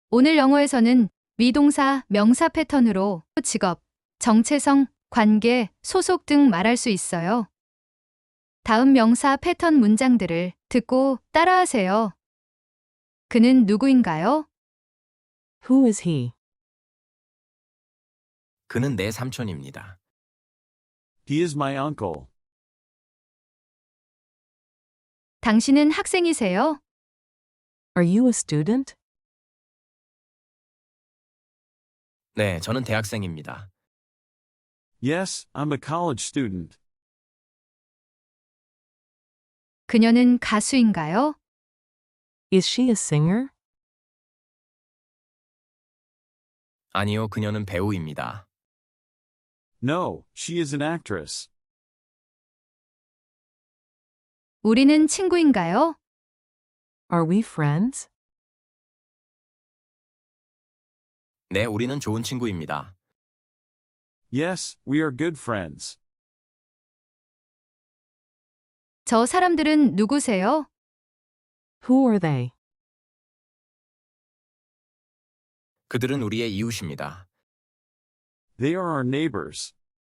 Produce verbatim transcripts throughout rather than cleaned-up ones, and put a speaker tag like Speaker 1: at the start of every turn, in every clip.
Speaker 1: 오늘 영어에서는 미동사, 명사 패턴으로 직업, 정체성, 관계, 소속 등 말할 수 있어요. 다음 명사 패턴 문장들을 듣고 따라하세요. 그는 누구인가요?
Speaker 2: Who is he?
Speaker 3: 그는 내 삼촌입니다.
Speaker 4: He is my uncle.
Speaker 1: 당신은 학생이세요?
Speaker 2: Are you a student?
Speaker 3: 네, 저는 대학생입니다.
Speaker 4: Yes, I'm a college student.
Speaker 1: 그녀는 가수인가요?
Speaker 2: Is she a singer?
Speaker 3: 아니요, 그녀는 배우입니다.
Speaker 4: No, she is an actress.
Speaker 1: 우리는 친구인가요?
Speaker 2: Are we friends?
Speaker 3: 네, 우리는 좋은 친구입니다.
Speaker 4: Yes, we are good friends.
Speaker 1: 저 사람들은 누구세요?
Speaker 2: Who are they?
Speaker 3: 그들은 우리의 이웃입니다.
Speaker 4: They are our neighbors.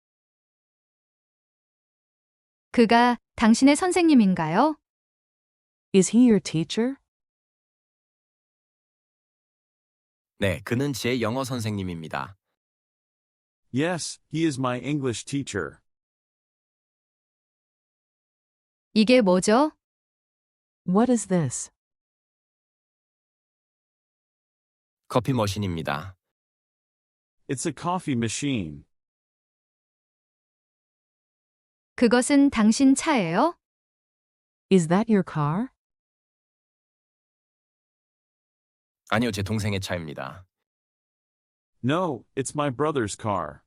Speaker 1: 그가 당신의 선생님인가요?
Speaker 2: Is he your teacher?
Speaker 3: 네, 그는 제 영어 선생님입니다.
Speaker 4: Yes, he is my English teacher.
Speaker 1: 이게 뭐죠?
Speaker 2: What is this?
Speaker 3: 커피 머신입니다.
Speaker 4: It's a coffee machine.
Speaker 1: 그것은 당신 차예요?
Speaker 2: Is that your car?
Speaker 3: 아니요, 제 동생의 차입니다.
Speaker 4: No, it's my brother's car.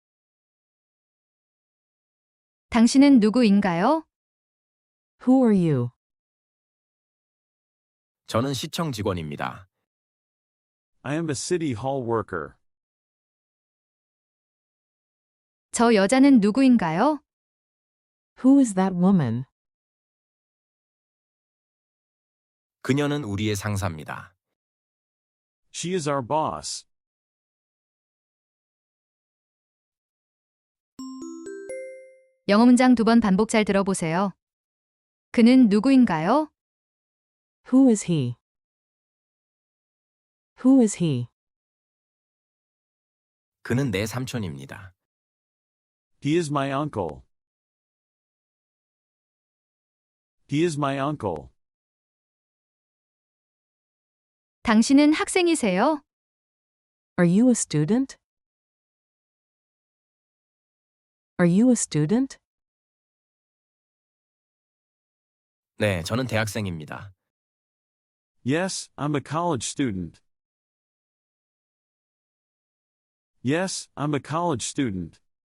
Speaker 1: 당신은 누구인가요?
Speaker 2: Who are you?
Speaker 3: 저는 시청 직원입니다.
Speaker 4: I am a city hall worker.
Speaker 1: 저 여자는 누구인가요?
Speaker 2: Who is that woman?
Speaker 3: 그녀는 우리의 상사입니다.
Speaker 4: She is our boss.
Speaker 1: 영어 문장 두 번 반복 잘 들어보세요. 그는 누구인가요?
Speaker 2: Who is he? Who is he?
Speaker 3: 그는 내 삼촌입니다.
Speaker 4: He is my uncle. He is my uncle.
Speaker 1: 당신은 학생이세요?
Speaker 2: Are you a student? Are you a student?
Speaker 3: 네, 저는 대학생입니다.
Speaker 4: Yes, I'm a college student. Yes, I'm a college student.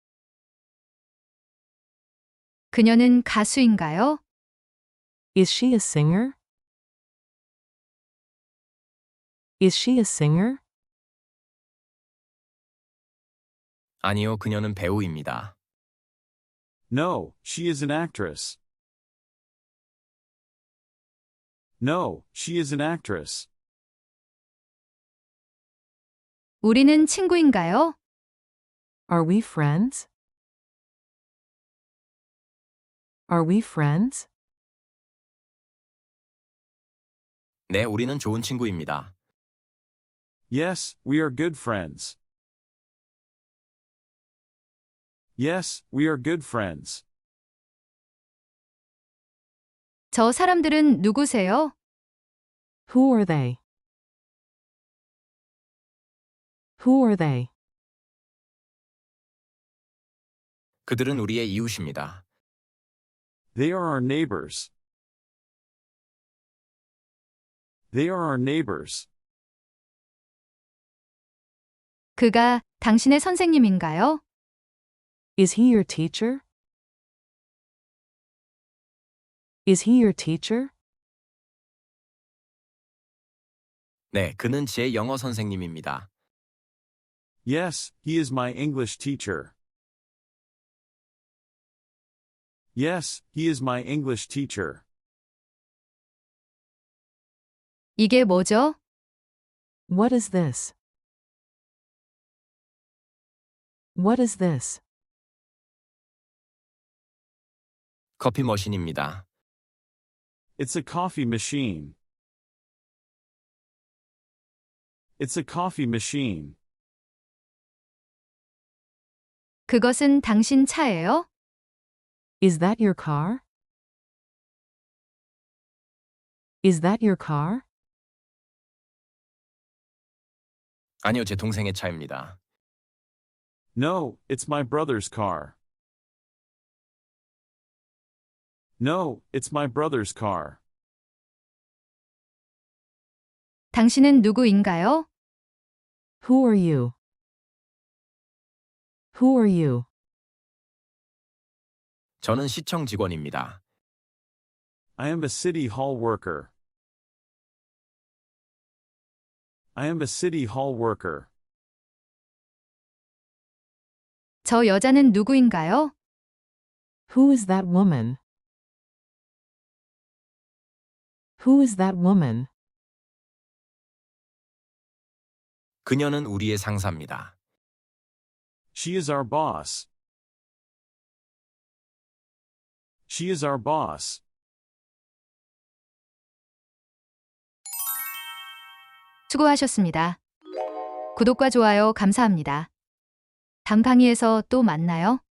Speaker 1: 그녀는 가수인가요?
Speaker 2: Is she a singer? Is she a singer?
Speaker 3: 아니요, 그녀는 배우입니다.
Speaker 4: No, she is an actress. No, she is an actress.
Speaker 1: 우리는 친구인가요?
Speaker 2: Are we friends? Are we friends?
Speaker 3: 네, 우리는 좋은 친구입니다.
Speaker 4: Yes, we are good friends. Yes, we are good friends.
Speaker 1: 저 사람들은 누구세요?
Speaker 2: Who are they? Who are they?
Speaker 3: 그들은 우리의 이웃입니다.
Speaker 4: They are our neighbors. They are our neighbors.
Speaker 1: 그가 당신의 선생님인가요?
Speaker 2: Is he your teacher? Is he your teacher?
Speaker 3: 네, 그는 제 영어 선생님입니다.
Speaker 4: Yes, he is my English teacher. Yes, he is my English teacher.
Speaker 1: 이게 뭐죠?
Speaker 2: What is this? What is this?
Speaker 3: 커피 머신입니다.
Speaker 4: It's a coffee machine. It's a coffee machine.
Speaker 1: 그것은 당신 차예요?
Speaker 2: Is that your car? Is that your car?
Speaker 3: 아니요, 제 동생의 차입니다.
Speaker 4: No, it's my brother's car. No, it's my brother's car.
Speaker 1: 당신은 누구인가요?
Speaker 2: Who are you? Who are you?
Speaker 3: 저는 시청 직원입니다.
Speaker 4: I am a city hall worker. I am a city hall worker.
Speaker 1: 저 여자는 누구인가요?
Speaker 2: Who is that woman? Who is that woman?
Speaker 3: 그녀는 우리의 상사입니다.
Speaker 4: She is our boss. She is our boss.
Speaker 1: 수고하셨습니다. 구독과 좋아요 감사합니다. 다음 강의에서 또 만나요.